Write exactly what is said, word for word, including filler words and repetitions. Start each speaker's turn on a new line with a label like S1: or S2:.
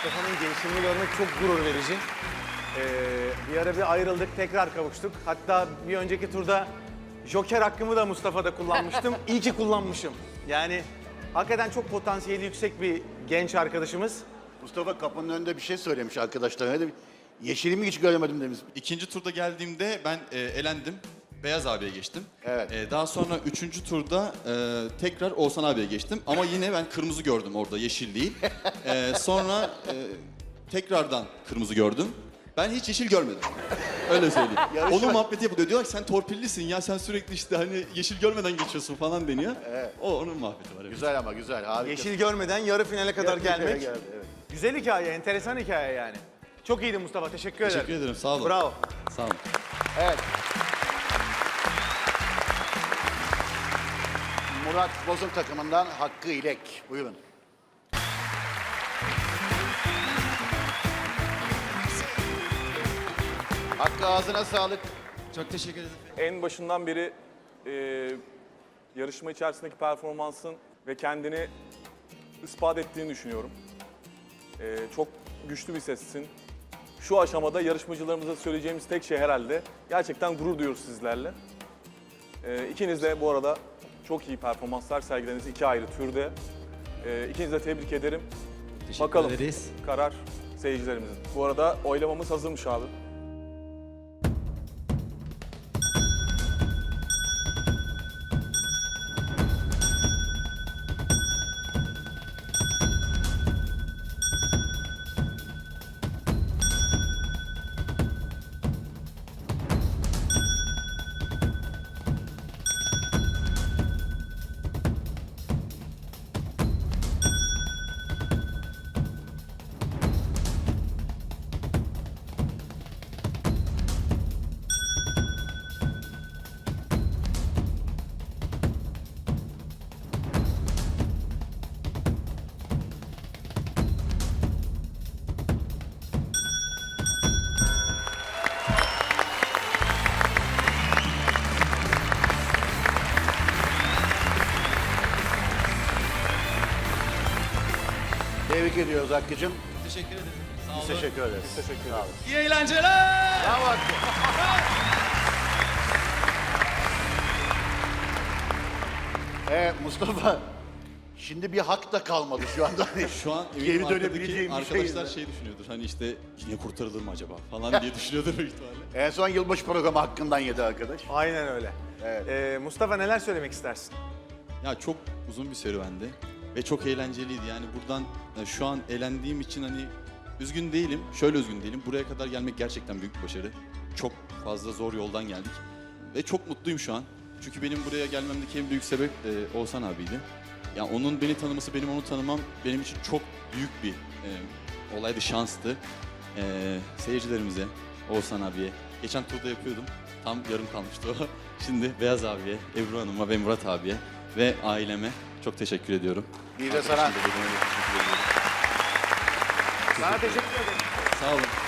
S1: Mustafa'nın gelişimini görmek çok gurur verici. Ee, bir ara bir ayrıldık, tekrar kavuştuk. Hatta bir önceki turda Joker hakkımı da Mustafa'da kullanmıştım. İyi ki kullanmışım. Yani hakikaten çok potansiyeli yüksek bir genç arkadaşımız.
S2: Mustafa kapının önünde bir şey söylemiş arkadaşlarına. Öyle bir- Yeşilimi hiç göremedim demiş.
S3: İkinci turda geldiğimde ben e, elendim. Beyaz abiye geçtim.
S2: Evet.
S3: E, daha sonra üçüncü turda e, tekrar Oğuzhan abiye geçtim. Ama yine ben kırmızı gördüm orada, yeşil değil. E, sonra e, tekrardan kırmızı gördüm. Ben hiç yeşil görmedim. Öyle söyleyeyim.
S2: Yarışma-
S3: Onun muhabbeti yapılıyor. Diyorlar ki sen torpillisin ya, sen sürekli işte hani yeşil görmeden geçiyorsun falan deniyor.
S2: Evet.
S3: O onun muhabbeti var. Evet.
S2: Güzel ama güzel, harika.
S1: Yeşil görmeden yarı finale kadar
S2: Yarı finale
S1: gelmek.
S2: geldi, evet.
S1: Güzel hikaye, enteresan hikaye yani. Çok iyiydi Mustafa, teşekkür,
S3: Teşekkür
S1: ederim.
S3: ederim, sağ olun.
S1: Bravo.
S3: Sağ olun.
S2: Evet. Murat Boz'un takımından Hakkı İlek. Buyurun. Hakkı ağzına sağlık.
S4: Çok teşekkür ederim.
S5: En başından beri e, yarışma içerisindeki performansın ve kendini ispat ettiğini düşünüyorum. E, çok güçlü bir sessin. Şu aşamada yarışmacılarımıza söyleyeceğimiz tek şey herhalde gerçekten gurur duyuyoruz sizlerle. E, ikiniz de bu arada çok iyi performanslar sergilediniz iki ayrı türde. E, ikinizi de tebrik ederim.
S4: Teşekkür
S5: Bakalım
S4: ederiz.
S5: karar seyircilerimizin. Bu arada oylamamız hazırmış abi.
S2: Tebrik ediyoruz Hakkı'cığım.
S4: Teşekkür ederim. Sağ
S2: Biz
S4: olun.
S2: teşekkür ederiz.
S5: Teşekkür
S2: Sağ olun.
S5: ederim.
S4: İyi eğlenceler.
S2: Bravo Hakkı. Ee, Mustafa, şimdi bir hak da kalmadı şu anda.
S3: Şu an
S2: Geri
S3: eminim
S2: dönebileceğim
S3: arkadaki
S2: bir şey
S3: arkadaşlar
S2: yok.
S3: şey düşünüyordur. Hani işte yine kurtarılır mı acaba falan diye düşünüyordur büyük ihtimalle.
S2: En son yılbaşı programı hakkından yedi arkadaş.
S1: Aynen öyle.
S2: Evet.
S1: Ee, Mustafa neler söylemek istersin?
S3: Ya çok uzun bir serüvendi ve çok eğlenceliydi. Yani buradan e, şu an eğlendiğim için hani üzgün değilim. Şöyle üzgün değilim. Buraya kadar gelmek gerçekten büyük bir başarı. Çok fazla zor yoldan geldik ve çok mutluyum şu an. Çünkü benim buraya gelmemdeki en büyük sebep e, Oğuzhan abiydi. Ya onun beni tanıması, benim onu tanımam benim için çok büyük bir e, olaydı, şanstı. E, seyircilerimize, Oğuzhan abiye, geçen turda yapıyordum. Tam yarım kalmıştı o. Şimdi Beyaz abiye, Ebru Hanım'a ve Murat abiye ve aileme çok teşekkür ediyorum.
S2: Bir de sana.
S3: Arkadaşım da beni teşekkür ediyorum.
S1: Sana teşekkür ederim.
S3: Sağ olun.